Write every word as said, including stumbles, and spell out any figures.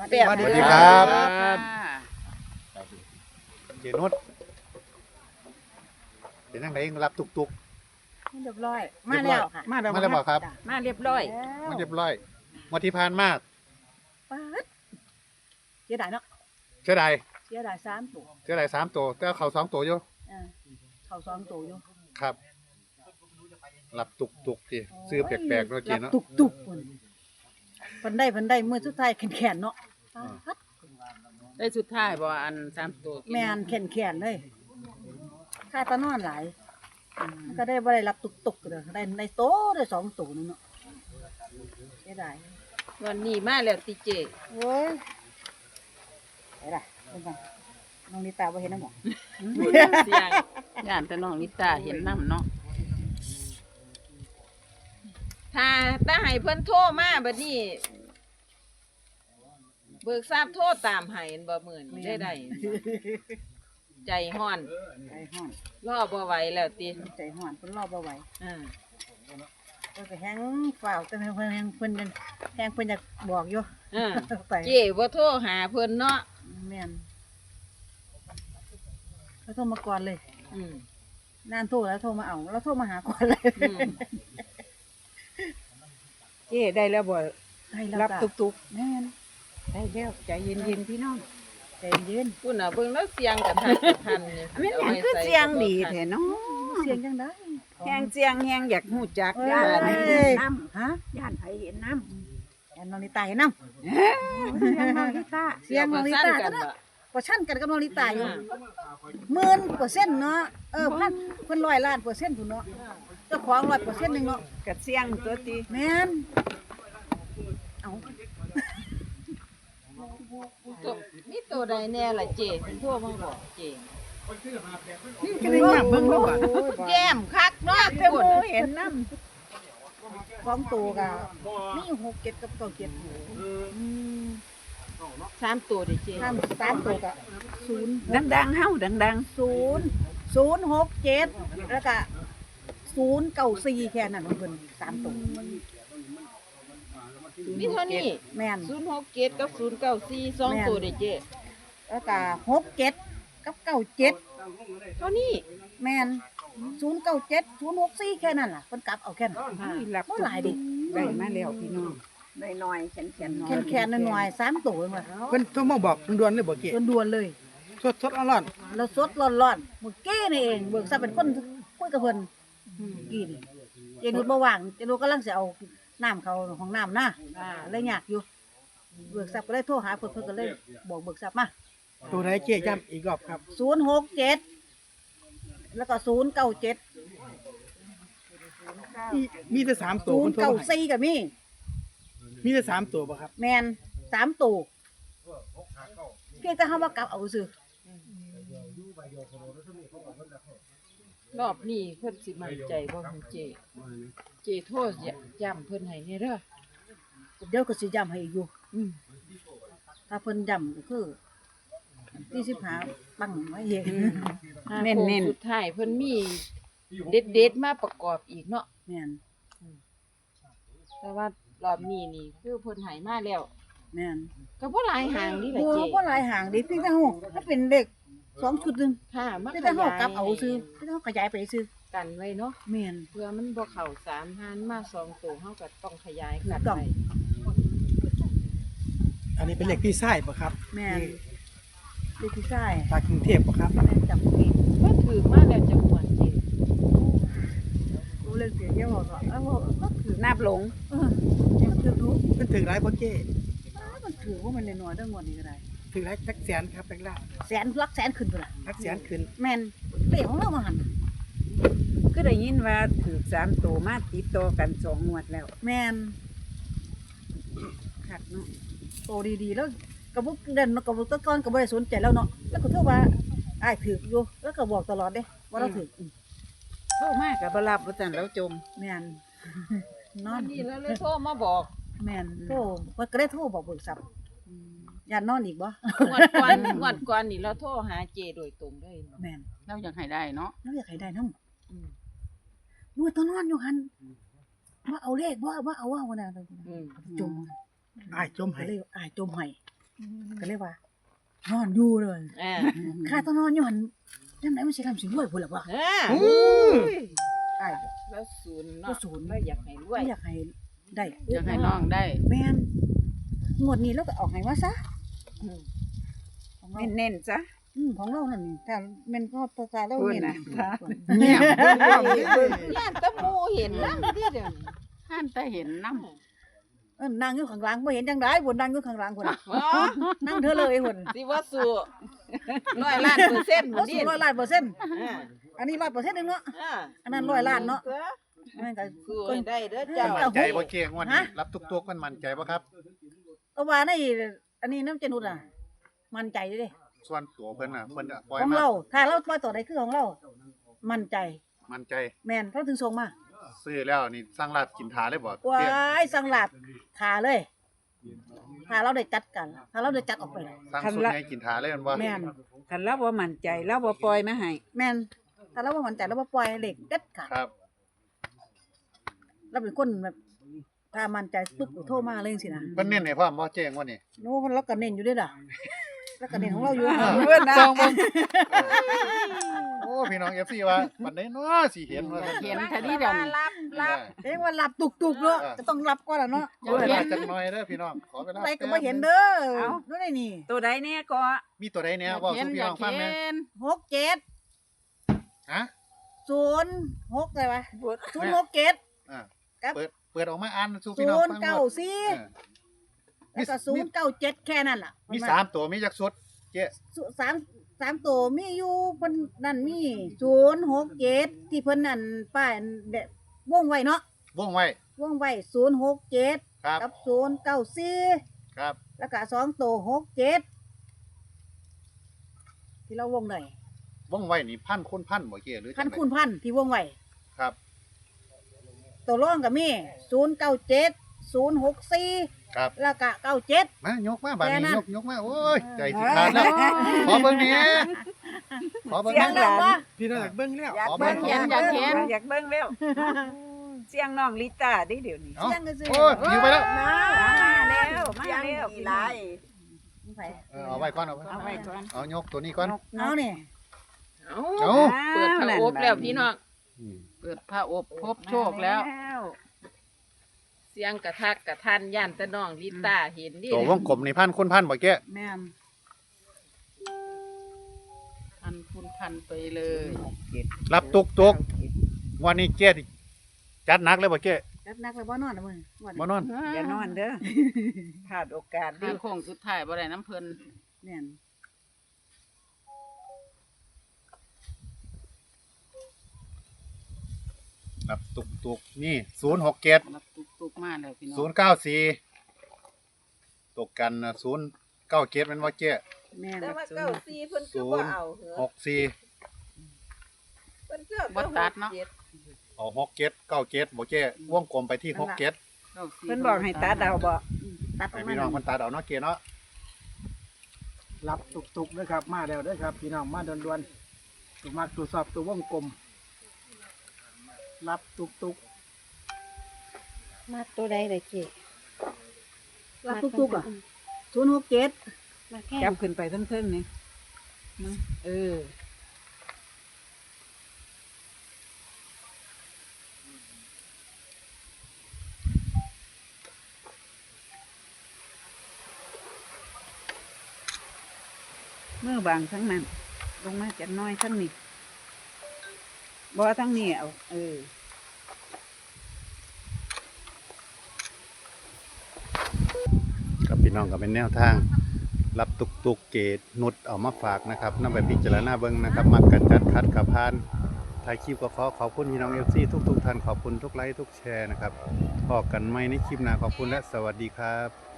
แป๊บสวัสดีครับ เจนุชเป็นยังไงรับตุกตุกเรียบร้อย มาแล้วค่ะมาแล้วมาแล้วบอกครับจ้ะมาเรียบร้อยมาเรียบร้อยมาที่พานมากป๊าดเสียดายเนาะเชื่อใดเสียดายสามตัวเชื่อใดสามตัวแต่เขาสองตัวอยู่เออเขาสองตัวอยู่ครับรับตุกตุกทีซื้อแปลกๆเนาะเจรับเนาะตุกตุกคนเพิ่นได้เพิ่นได้มื้อสุดท้ายแขนๆเนาะป๊าดได้สุดท้ายบ่อันสามตัวแม่นแขนๆเลยค่าตะนอนหลายก็ได้บ่ได้รับตุกตุกเด้อได้ในโตได้สองตัวนึงเนาะเสียดายวันนี้มาแล้วติเจโอ้ยไปล่ะเบิ่งกันน้องนิตาบ่เห็นน้ำหมอเสียงย่านแต่น้องลิตาเห็นน้ำเนาะถ้าถ้าให้เพิ่นโทรมาบัดนี้ เบิกทราบโทษตามให้อันบ่มื้อนี้ได้ได้ใจฮ้อนใจฮ้อนรอบ่ไหวแล้วติใจฮ้อนเพิ่นรอบ่ไหวอ่าเพิ่นก็แฮงฝ่าวแต่เพิ่นแฮงเพิ่นยังแฮงเพิ่นอยากบอกอยู่อ่าไปเจ้บ่โทรหาเพิ่นเนาะแม่นเขาโทรมาก่อนเลยอืมนานโทรแล้วโทรมาเอาแล้วโทรมาหาก่อนเลยอืมเจ๊ได้แล้วบ่ให้แล้วรับจ้ะตุกแม่นๆได้แล้วใจเย็นๆพี่น้องใจเย็นพุ่นน่ะเบิ่งแล้วเสียงกันทันกันทันนี่แม่นหยังคือเสียงดีแท้เนาะเสียงจังได๋แฮงเสียงแฮงอยากฮู้จักเอ้ย่านไผเห็ยนน้ฮะำย่านไผเห็นน้ำแอนน้องลิตาเห็นนำเอ้อเสียงน้องลิตาเสียงน้องลิตากัก็นได้บ่ก็ชั่นกันกับน้องลิตาอยู่หมื่นเปอร์เซ็นต์เนาะเออพันเพิ่นร้อยล้านเปอร์เซ็นต์พุ่นเนาะเจ้าของร้อยเปอร์เซ็นต์นึงเนาะก็เสียงตัวติแม่นเอาตัวมีตัวใดแน่ล่ะเจ้โทรมาบอกเจ้ก็ได้มาเบิ่งแล้วบ่แย้มคักเนาะแต่พุ่หนมู่เห็นน้สองตัวก็มีหกเจ็ดกับเก้าเจ็ดอืมสามตัวดิเจ้ถ้าสามตัวก็ศูนย์ำดังๆเฮาดังศูนย์ศูนย์หกเจ็ดแล้วก็ศูนย์เก้าสี่แค่นั้นของเพิ่นสามตัวมีเท่านี้แม่นศูนย์หกเจ็ดกับศูนย์เก้าสี่สองแม่นตัวดิเจ้แล้วก็หกเจ็ดกับเก้าเจ็ดเท่านี้แม่นศูนย์เก้าเจ็ดศูนย์หกสี่แค่นั้นล่ะเพิ่นกลับเอาแค่นั้นๆนี่รับบ่หลายดิได้มาแล้วพี่น้องได้น้อยแขนๆน้อยแค่แค่น้อยๆสามตัวเองว่ะเพิ่นโทรมาบอกด่วนๆเลยบ่เกะด่วนๆเลยสดสดๆร้อนแล้วสดร้อนๆมื้อกี้นี่เองเบิกซะเป็นคนคุยกับเพิ่นกี้นี่เจนุชบ่ว่างเจนุชกำลังสิเอาน้ำเข้าห้องน้ำนะอ่าเลยยากอยู่เบิกทรัพย์ก็เลยโทรหาเพิ่นเพิ่นก็เลยบอกเบิกทรัพย์มาๆตัวไหนเกะย้ำอีกรอบครับศูนย์หกเจ็ดแล้วก็ศูนย์เก้าเจ็ดมีมีแต่สามตัวศูนเพิ่ย์นโทรเก้ามาให้สี่ก็มีมีแต่สามตัวบ่ครับแมนสามตัวเพียงแต่เฮาว่ากลับเอาซื่อรอบนี้เพิ่นสิมั่นใจบ่ของเจ้เจ้โทรย้ำเพิ่นให้แน่เด้อเดี๋ยวก็สิย้ำให้อีกอยู่อืมถ้าเพิ่นย้ำก็คือที่สิบหาปังไว้เองเน้นโค้งสุดท้ายเพิ่นมีเด็ดๆมาประกอบอีกเนาะแม่นแต่ว่ารอบนี้นี่คือเพิ่นให้มาแล้วแม่นก็บ่หลายหางนี่แหละโอ้เจ้บ่หลายหางดิเพียงแต่เฮาถ้าเป็นเลขสองชุดหนึงค่ะมาเพียงขแต่เฮายายกลับเอาซื่อเพียงแต่เฮาขยายไปซื่อกันไว้เนาะแม่นเพื่อมันบ่เข้าสามหานมาสองตัวเฮาก็ต้องขยายกันถูกต้องไว้อันนี้เป็นเลขพี่ไส้บ่ครับแม่นเลขที่ใช่จากกรุงเทพบ่ครับแม่นจำผิดเพิ่นถือมาแล้วจังหวัดเจ้รู้เรื่องเสียเยอะบ่ก็เอ้าก็ถือนับหลงเออมันถือรู้เพิ่นถึงหลายบ่เกะมันถือว่ามันน้อยๆเด้องวดนี้ก็ได้ถึงหลายจักแสนครับแบงค์ล่าแสนลักแสนขึ้นพุ่นน่ะจักแสนขึ้นแม่นเลขของเรามาหั่นก็ได้ยินว่าถูกสามตัวมาติดต่อกันสองงวดแล้วแม่นคักเนาะโตดีๆแล้วก็บ่เด่นก็บ่ตะกอนก็บ่ได้สนใจแล้วเนาะแล้วก็โทรว่าอ้ายถืออยู่แล้วก็บอกตลอดเด้ว่าเราถือโทรมาก็บ่รับว่าซั่นแล้วจมแม่นนตออน นนี้แล้วเลยโทรมาบอกแม่นโทรมันก็ได้โทรบอกเบิกทรัพย์ย่านนอนอีกบ่งวดก่อนงวดก่อนนี่เราโทรหาเจโดยตรงเลยแม่นเราอยากให้ได้เนาะเราอยากให้ได้นำอืมมื้อตอนนอนอยู่หั่นว่าเอาเลขบ่ว่าเอาว่าว่านั่นอืมจมอ้ายจมก็ให้เลยอ้ายจมให้ก็เลยว่านอนอยู่เลยอ่าข้าต้องนอนอยู่หั่นจังได๋มันสิทำสิรวยพุ่นล่ะบ่อ่าอ้ายแล้วศูนย์แล้เนาะวศูนย์แล้วอยากให้รวยอยากให้ได้อยากให้น้องได้แม่นงวดนี้เราก็เอาให้ว่าซะอืมของเราเน้นๆจ้ะอืมของเรานั่นถ้าแม่นก็ภาษาเราพูดนี่นะนะเนี่ยย่านแตะมูเห็นนำเด้อเดี๋ยวนี้ท่านแต่เห็นน้เออนั่งอยู่ข้างหลังบ่เห็นจังได๋พุ่นนั่งอยู่ข้างหลังพุ่นน่ะอ๋อนั่งเธอเลยพุ่นสิว่าสู้ร้อยล้านเปอร์เซ็นต์บ่บ่สูดีร้อยล้านเปอร์เซ็นต์อ่าอันนี้ร้อยเปอร์เซ็นต์นึงเนาะอ่าอันนั้นร้อยล้านเนาะแม่นก็สู้ให้ได้เด้อเจ้ามั่นใจบ่เก้งวดนี้ฮะรับตุกๆมันมั่นใจบ่ครับก็ว่าในอันนี้น้ำเจนุดอ่ะ มั่นใจเด้ส่วนตัวเพิ่นน่ะเพิ่นปล่อยของมาเรา ถ้าเราปล่อยตัวใดคือของเรา มั่นใจมั่นใจแม่นเขาถึงส่งมาซื้อแล้วนี่สร้างลาบกินทาเลยบ่ว้เก้งายสังหลับขาเลยถ้าเราได้จัดกัน ถ้าเราได้จัดออกไปสร้างสุดให้กินทาเลยแม่นบ่แม่นคันเราบ่มั่นใจเราบ่ปล่อยมาให้แม่นถ้าเราบ่มั่นใจเราบ่ปล่อยเหล็กเด็ดขาดครับเราเป็นคนแบบ ถ้ามั่นใจปึ๊บโทรมาเลยจังซี่นะเพิ่นเน้นให้พร้อมบ่เก้งวดนี้โน้มันเราก็เน้นอยู่เด้อล่ะแล้วก็เน้นของเราอยู่เพิ่นนะโอ้พี่น้อง เอฟ ซี ว่าปันไดเนาะสิเห็นว่าำเห็นทีนี้เดี๋ยวนี้รับรับเอ้ว่าหลับตุกๆเนาะจะต้องหลับก่อนล่ะเนาะขอเวลาจักหน่อยเด้อพี่น้องขอเวลาอะไรก็บ่เห็นเด้อเอ้านู่นได้นี่ตัวใดเนี่ยก็มีตัวใดแหน่เว้าเห็นสู่พี่อยาน้อก งฟังแหน่เห็นหกเจ็ดฮะศูนย์หกอะไรวะศูนย์หกเจ็ดอ่าครับเปิดเปิดออกมาอ่านสู่ศูพี่น้องนย์ฟังเก้าหมดสี่เออแล้วก็ศูนย์เก้าเจ็ดแค่นั้นล่ะมีสามตัวมีจักสุดเจ๊สุสามสามตัวมีอยู่เพิ่นนั่นมีศูนย์หกเจ็ดที่เพิ่นนั่นป้ายแบบวงไว้เนาะวงไว้วงไว้ศูนย์หกเจ็ดครับกับศูนย์เก้าสี่ครับแล้วก็สองตัวหกเจ็ดที่เราวงได้วงไว้นี่พันคูณพันบ่เจ๊หรือจังพันใดคูณพันที่วงไว้ครับตัวร่องก็มีศูนย์เก้าเจ็ดศูนย์หกสี่ครับแล้วก็เก้าเจ็ดมายกมาบัดแค่นี้นั้นยกยกมาโอ้ยใจสิขาดแล้วขอเบิ่งแหน่ขอเบิ่งเสีแหยงน่ดังวะพี่น้องอยากเบิ่งแล้วอยากขอเบิ่เบิ่งงอยากเห็นอยากเบิ่งแล้ว เสียงน้องลิต้าเดิเดี๋ยวนี้เอ้าเสียงก็ซื้อโอ้ยอยู่ไปแล้วมาแล้วมาแล้วพี่น้องไปเออเอาไว้ก่อนเอาไว้เอาไว้ก่อนเอายกตัวนี้ก่อนเอาเนี่ยเอ้าเอาเปิดพระอบแล้วพี่น้องอืมเปิดผ้าอบพบโชคแล้วเสียงกระทักกระทันย่านแตะน้องลิต้าเห็นดิตัววงกลมนี่พันคูณพันบ่แก้แม่นพันคุณพันไปเลยรับตุกตุกวันนี้เจ๊ที่จัดหนักเลยบ่เจ๊จัดหนักแล้วบ่นอนนะมึงวันบ่นอนอย่านอนเด้อพลาดโอกาสดิถ้าโค้งสุดท้ายบ่ได้น้ำเพิ่นแม่นรับตุกตุกนี่ศูนย์หกเจ็ดรับตุกๆมาแล้วพี่น้องศูนย์เก้าสี่ตกกันศูนย์เก้าเจ็ดมันว่าเจ๊แม่นแต่ว่าเก้าสี่เพิ่นก็ศูบ่นย์เอาเหรอหกสี่เพิ่นก็บ่ตัดเนาะจ็ดเอาหกเจ็ดเก้าเจ็ดบ่เจ๊วงกลมไปที่หกเจ็ดก้าสี่เพิ่นบอกให้ตาเดาบ่ตัดอให้อกมาพี่น้องมันตาเอาเนาะเจ๊เนาะรับตุกๆด้วยครับ มาแล้วเด้วยครับ พี่น้องมาด่วนๆตัวมักตรวจสอบตัววงกลม รับตุกมาตัวใดเลยเจ๊รับทุกๆอ่ะศูนย์หกเจ็ดมาแค่จับขึ้นไปเทิงๆนี่มาเออ เมื่อบางทั้งนั้น ลงมาจักหน้อยทั้งนี้บ่ทั้งนี้เอาเออกับพี่น้องก็เป็นแนวทาง รับตุกตุกเกตนุดเอามาฝากนะครับนำไปพิจารณาเบิ่งนะครับมักกันจัดคัดกับพานถ่ายคลิปก็ขอขอบคุณพี่น้อง เอฟ ซี ทุกๆท่านขอบคุณทุกไลค์ทุกแชร์นะครับพบกันใหม่ในคลิปหน้าขอบคุณและสวัสดีครับ